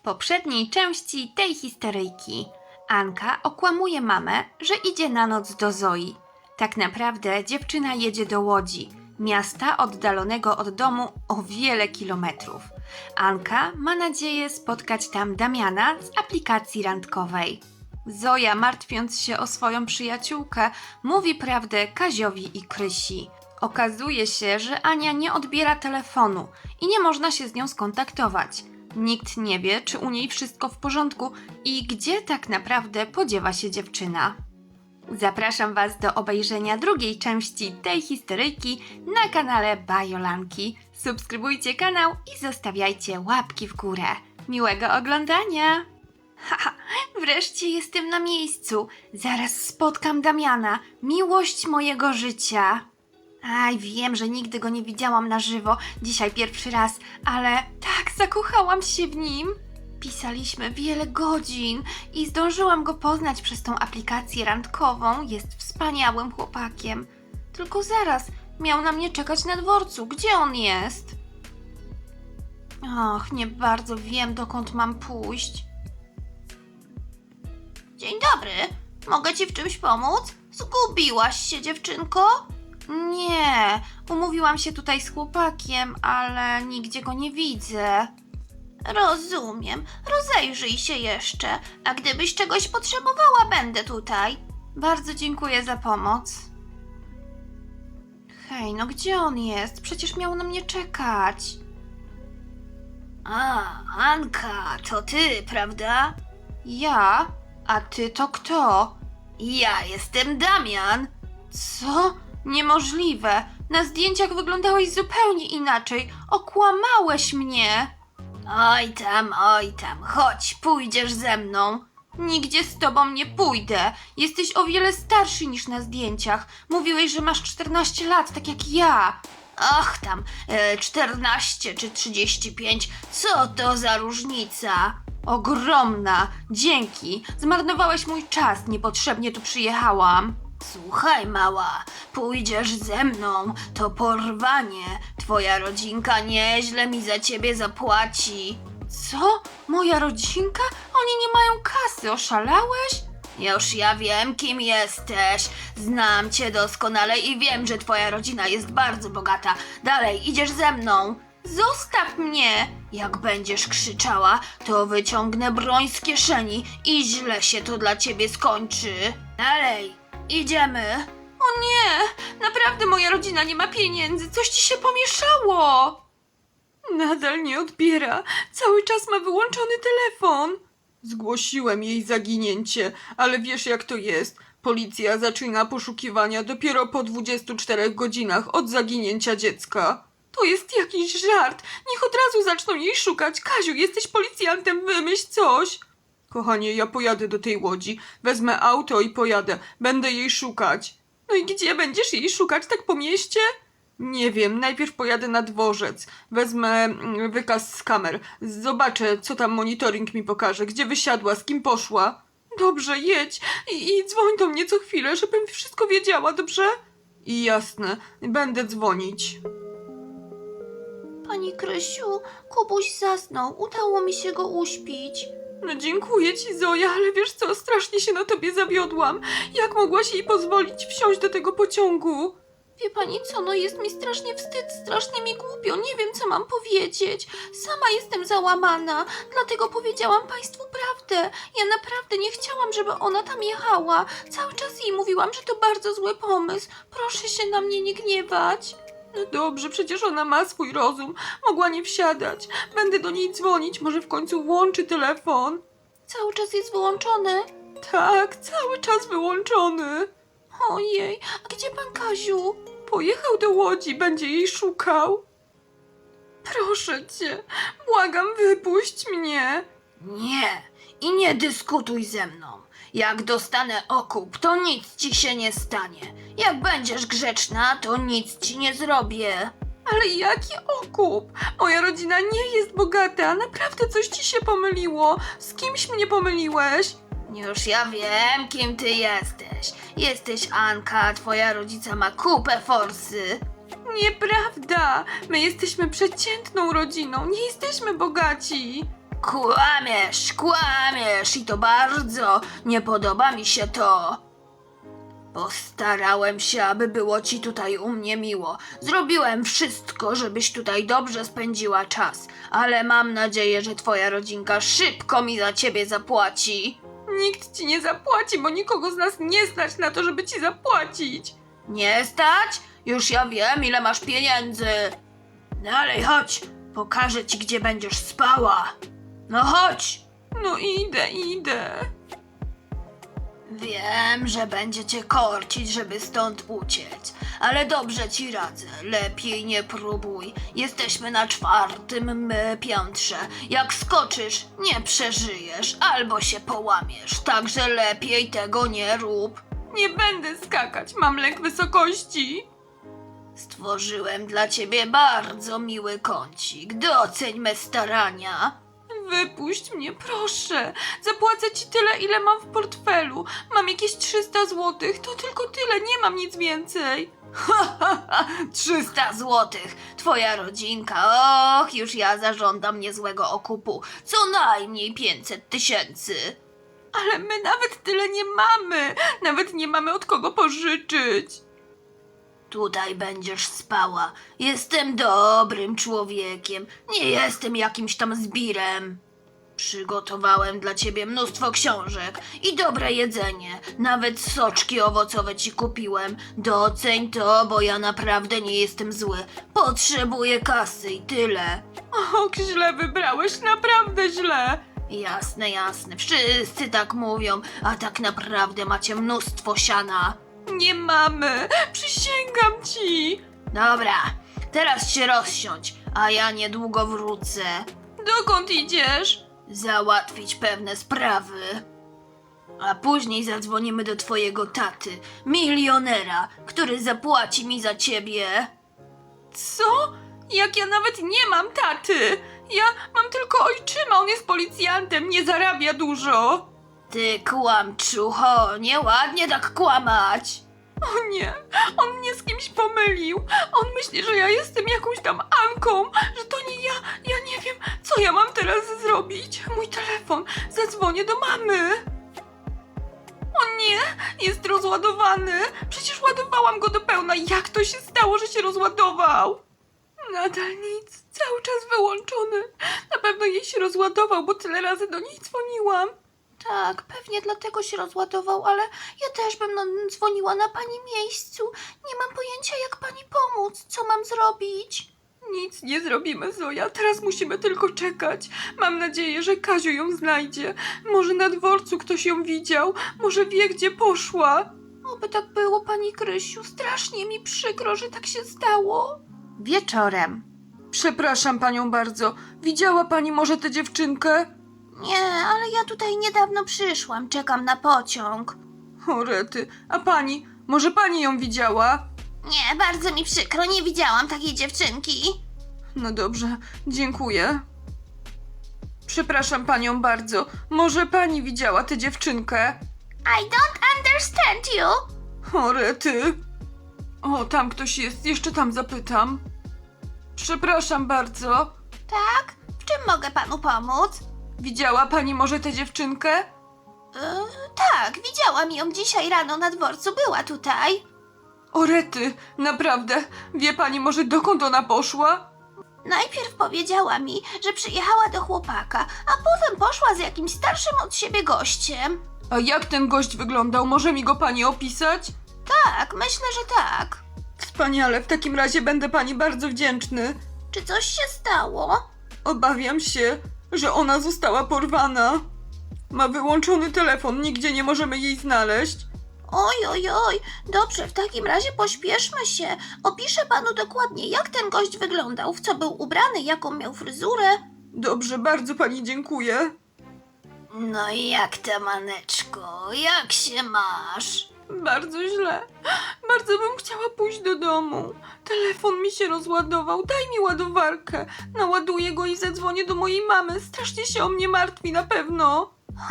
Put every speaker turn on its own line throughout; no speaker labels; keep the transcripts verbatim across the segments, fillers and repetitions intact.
poprzedniej części tej historyjki Anka okłamuje mamę, że idzie na noc do Zoi. Tak naprawdę dziewczyna jedzie do Łodzi, miasta oddalonego od domu o wiele kilometrów. Anka ma nadzieję spotkać tam Damiana z aplikacji randkowej. Zoja, martwiąc się o swoją przyjaciółkę, mówi prawdę Kaziowi i Krysi. Okazuje się, że Ania nie odbiera telefonu i nie można się z nią skontaktować. Nikt nie wie, czy u niej wszystko w porządku i gdzie tak naprawdę podziewa się dziewczyna. Zapraszam Was do obejrzenia drugiej części tej historyjki na kanale Bajolanki. Subskrybujcie kanał i zostawiajcie łapki w górę. Miłego oglądania! Haha, wreszcie jestem na miejscu. Zaraz spotkam Damiana, miłość mojego życia. Aj, wiem, że nigdy go nie widziałam na żywo, dzisiaj pierwszy raz, ale tak zakochałam się w nim. Pisaliśmy wiele godzin i zdążyłam go poznać przez tą aplikację randkową. Jest wspaniałym chłopakiem. Tylko zaraz, miał na mnie czekać na dworcu. Gdzie on jest? Och, nie bardzo wiem, dokąd mam pójść. Dzień dobry, mogę ci w czymś pomóc? Zgubiłaś się, dziewczynko? Nie, umówiłam się tutaj z chłopakiem, ale nigdzie go nie widzę. Rozumiem, rozejrzyj się jeszcze, a gdybyś czegoś potrzebowała, będę tutaj. Bardzo dziękuję za pomoc. Hej, no gdzie on jest? Przecież miał na mnie czekać. A, Anka, to ty, prawda? Ja? A ty to kto? Ja jestem Damian. Co? Niemożliwe. Na zdjęciach wyglądałeś zupełnie inaczej. Okłamałeś mnie. Oj tam, oj tam. Chodź, pójdziesz ze mną. Nigdzie z tobą nie pójdę. Jesteś o wiele starszy niż na zdjęciach. Mówiłeś, że masz czternaście lat, tak jak ja. Ach tam, e, czternaście czy trzydzieści pięć. Co to za różnica? Ogromna. Dzięki. Zmarnowałeś mój czas. Niepotrzebnie tu przyjechałam. Słuchaj, mała, pójdziesz ze mną, to porwanie. Twoja rodzinka nieźle mi za ciebie zapłaci. Co? Moja rodzinka? Oni nie mają kasy, oszalałeś? Już ja wiem, kim jesteś. Znam cię doskonale i wiem, że twoja rodzina jest bardzo bogata. Dalej, idziesz ze mną. Zostaw mnie! Jak będziesz krzyczała, to wyciągnę broń z kieszeni i źle się to dla ciebie skończy. Dalej! Idziemy. O nie, naprawdę moja rodzina nie ma pieniędzy. Coś ci się pomieszało. Nadal nie odbiera. Cały czas ma wyłączony telefon.
Zgłosiłem jej zaginięcie, ale wiesz jak to jest. Policja zaczyna poszukiwania dopiero po dwudziestu czterech godzinach od zaginięcia dziecka.
To jest jakiś żart. Niech od razu zaczną jej szukać. Kaziu, jesteś policjantem, wymyśl coś.
Kochanie, ja pojadę do tej Łodzi. Wezmę auto i pojadę. Będę jej szukać.
No i gdzie będziesz jej szukać? Tak po mieście?
Nie wiem, najpierw pojadę na dworzec. Wezmę mm, wykaz z kamer. Zobaczę, co tam monitoring mi pokaże. Gdzie wysiadła, z kim poszła.
Dobrze, jedź i, i dzwoń do mnie co chwilę, żebym wszystko wiedziała, dobrze?
I jasne, będę dzwonić.
Pani Krysiu, Kubuś zasnął. Udało mi się go uśpić. No dziękuję ci, Zoja, ale wiesz co, strasznie się na tobie zawiodłam. Jak mogłaś jej pozwolić wsiąść do tego pociągu? Wie pani co, no jest mi strasznie wstyd, strasznie mi głupio, nie wiem co mam powiedzieć. Sama jestem załamana, dlatego powiedziałam państwu prawdę. Ja naprawdę nie chciałam, żeby ona tam jechała. Cały czas jej mówiłam, że to bardzo zły pomysł. Proszę się na mnie nie gniewać. No dobrze, przecież ona ma swój rozum. Mogła nie wsiadać. Będę do niej dzwonić, może w końcu włączy telefon. Cały czas jest wyłączony? Tak, cały czas wyłączony. Ojej, a gdzie pan Kaziu? Pojechał do Łodzi, będzie jej szukał. Proszę cię, błagam, wypuść mnie. Nie, i nie dyskutuj ze mną. Jak dostanę okup, to nic ci się nie stanie. Jak będziesz grzeczna, to nic ci nie zrobię. Ale jaki okup? Moja rodzina nie jest bogata, naprawdę coś ci się pomyliło. Z kimś mnie pomyliłeś? Już ja wiem, kim ty jesteś. Jesteś Anka, twoja rodzica ma kupę forsy. Nieprawda! My jesteśmy przeciętną rodziną, nie jesteśmy bogaci. Kłamiesz, kłamiesz i to bardzo. Nie podoba mi się to. Postarałem się, aby było ci tutaj u mnie miło. Zrobiłem wszystko, żebyś tutaj dobrze spędziła czas, ale mam nadzieję, że twoja rodzinka szybko mi za ciebie zapłaci.
Nikt ci nie zapłaci, bo nikogo z nas nie stać na to, żeby ci zapłacić.
Nie stać? Już ja wiem, ile masz pieniędzy. Dalej, chodź. Pokażę ci, gdzie będziesz spała. No chodź.
No idę, idę.
Wiem, że będzie cię korcić, żeby stąd uciec, ale dobrze ci radzę, lepiej nie próbuj. Jesteśmy na czwartym m, piętrze. Jak skoczysz, nie przeżyjesz albo się połamiesz, także lepiej tego nie rób.
Nie będę skakać, mam lęk wysokości.
Stworzyłem dla ciebie bardzo miły kącik, doceń me starania.
Wypuść mnie, proszę. Zapłacę ci tyle, ile mam w portfelu. Mam jakieś trzysta złotych, to tylko tyle, nie mam nic więcej.
Ha, ha, ha, trzysta złotych. Twoja rodzinka, och, już ja zażądam niezłego okupu. Co najmniej pięćset tysięcy.
Ale my nawet tyle nie mamy. Nawet nie mamy od kogo pożyczyć.
Tutaj będziesz spała. Jestem dobrym człowiekiem. Nie jestem jakimś tam zbirem. Przygotowałem dla ciebie mnóstwo książek i dobre jedzenie. Nawet soczki owocowe ci kupiłem. Doceń to, bo ja naprawdę nie jestem zły. Potrzebuję kasy i tyle.
Och, źle wybrałeś, naprawdę źle.
Jasne, jasne. Wszyscy tak mówią, a tak naprawdę macie mnóstwo siana.
Nie mamy, przysięgam ci.
Dobra, teraz się rozsiądź, a ja niedługo wrócę.
Dokąd idziesz?
Załatwić pewne sprawy. A później zadzwonimy do twojego taty, milionera, który zapłaci mi za ciebie.
Co? Jak ja nawet nie mam taty. Ja mam tylko ojczyma, on jest policjantem, nie zarabia dużo.
Ty kłamczucho, nieładnie tak kłamać.
O nie, on mnie z kimś pomylił. On myśli, że ja jestem jakąś tam Anką, że to nie ja. Ja nie wiem, co ja mam teraz zrobić. Mój telefon, zadzwonię do mamy. O nie, jest rozładowany. Przecież ładowałam go do pełna. Jak to się stało, że się rozładował? Nadal nic, cały czas wyłączony. Na pewno jej się rozładował, bo tyle razy do niej dzwoniłam.
Tak, pewnie dlatego się rozładował, ale ja też bym no, dzwoniła na pani miejscu. Nie mam pojęcia, jak pani pomóc. Co mam zrobić?
Nic nie zrobimy, Zoja. Teraz musimy tylko czekać. Mam nadzieję, że Kaziu ją znajdzie. Może na dworcu ktoś ją widział. Może wie, gdzie poszła.
Oby tak było, pani Krysiu. Strasznie mi przykro, że tak się stało. Wieczorem.
Przepraszam panią bardzo. Widziała pani może tę dziewczynkę?
Nie, ale ja tutaj niedawno przyszłam. Czekam na pociąg.
O rety. A pani? Może pani ją widziała?
Nie, bardzo mi przykro. Nie widziałam takiej dziewczynki.
No dobrze, dziękuję. Przepraszam panią bardzo. Może pani widziała tę dziewczynkę?
I don't understand you.
O rety. O, tam ktoś jest. Jeszcze tam zapytam. Przepraszam bardzo.
Tak? W czym mogę panu pomóc?
Widziała pani może tę dziewczynkę?
Yy, tak, widziałam ją dzisiaj rano na dworcu. Była tutaj.
O rety, naprawdę. Wie pani może dokąd ona poszła?
Najpierw powiedziała mi, że przyjechała do chłopaka, a potem poszła z jakimś starszym od siebie gościem.
A jak ten gość wyglądał? Może mi go pani opisać?
Tak, myślę, że tak.
Wspaniale, w takim razie będę pani bardzo wdzięczny.
Czy coś się stało?
Obawiam się, że ona została porwana. Ma wyłączony telefon, nigdzie nie możemy jej znaleźć.
Oj, oj, oj, dobrze, w takim razie pośpieszmy się. Opiszę panu dokładnie, jak ten gość wyglądał, w co był ubrany, jaką miał fryzurę.
Dobrze, bardzo pani dziękuję.
No i jak ta maneczko, jak się masz?
Bardzo źle. Bardzo bym chciała pójść do domu. Telefon mi się rozładował. Daj mi ładowarkę. Naładuję go i zadzwonię do mojej mamy. Strasznie się o mnie martwi na pewno.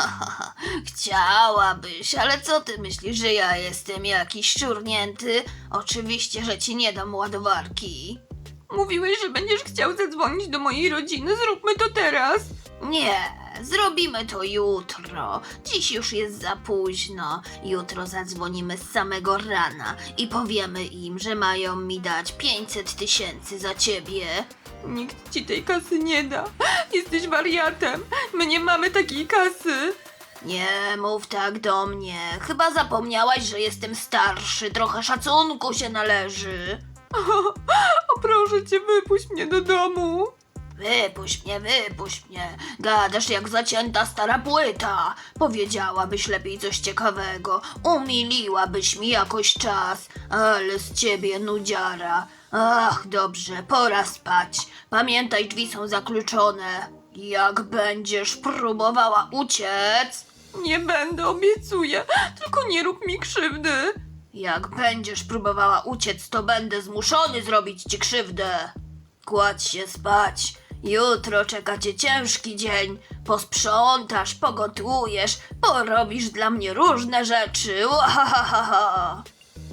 Chciałabyś, ale co ty myślisz, że ja jestem jakiś szczurnięty? Oczywiście, że ci nie dam ładowarki.
Mówiłeś, że będziesz chciał zadzwonić do mojej rodziny. Zróbmy to teraz.
Nie, zrobimy to jutro. Dziś już jest za późno. Jutro zadzwonimy z samego rana i powiemy im, że mają mi dać pięćset tysięcy za ciebie.
Nikt ci tej kasy nie da. Jesteś wariatem. My nie mamy takiej kasy.
Nie mów tak do mnie. Chyba zapomniałaś, że jestem starszy. Trochę szacunku się należy.
O, proszę cię, wypuść mnie do domu.
Wypuść mnie, wypuść mnie. Gadasz jak zacięta stara płyta. Powiedziałabyś lepiej coś ciekawego. Umiliłabyś mi jakoś czas. Ale z ciebie nudziara. Ach, dobrze, pora spać. Pamiętaj, drzwi są zakluczone. Jak będziesz próbowała uciec...
Nie będę, obiecuję. Tylko nie rób mi krzywdy.
Jak będziesz próbowała uciec, to będę zmuszony zrobić ci krzywdę. Kładź się spać. Jutro czeka cię ciężki dzień. Posprzątasz, pogotujesz, porobisz dla mnie różne rzeczy. Łahahaha.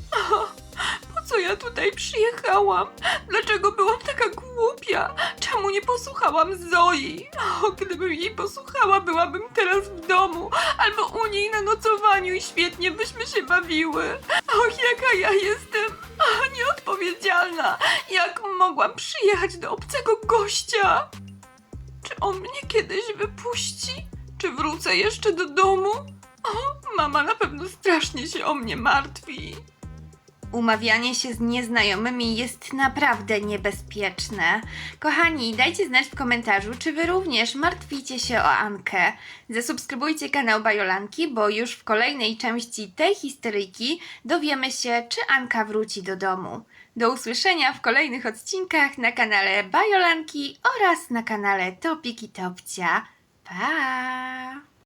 Po co ja tutaj przyjechałam? Dlaczego byłam taka głupia? Czemu nie posłuchałam Zoi? O, gdybym jej posłuchała, byłabym teraz w domu albo u niej na nocowaniu i świetnie byśmy się bawiły. Och, jaka ja jestem o, nieodpowiedzialna. Jak mogłam przyjechać do obcego gościa? Czy on mnie kiedyś wypuści? Czy wrócę jeszcze do domu? O, mama na pewno strasznie się o mnie martwi.
Umawianie się z nieznajomymi jest naprawdę niebezpieczne. Kochani, dajcie znać w komentarzu, czy wy również martwicie się o Ankę. Zasubskrybujcie kanał Bajolanki, bo już w kolejnej części tej historyjki dowiemy się, czy Anka wróci do domu. Do usłyszenia w kolejnych odcinkach na kanale Bajolanki oraz na kanale Topiki Topcia. Pa!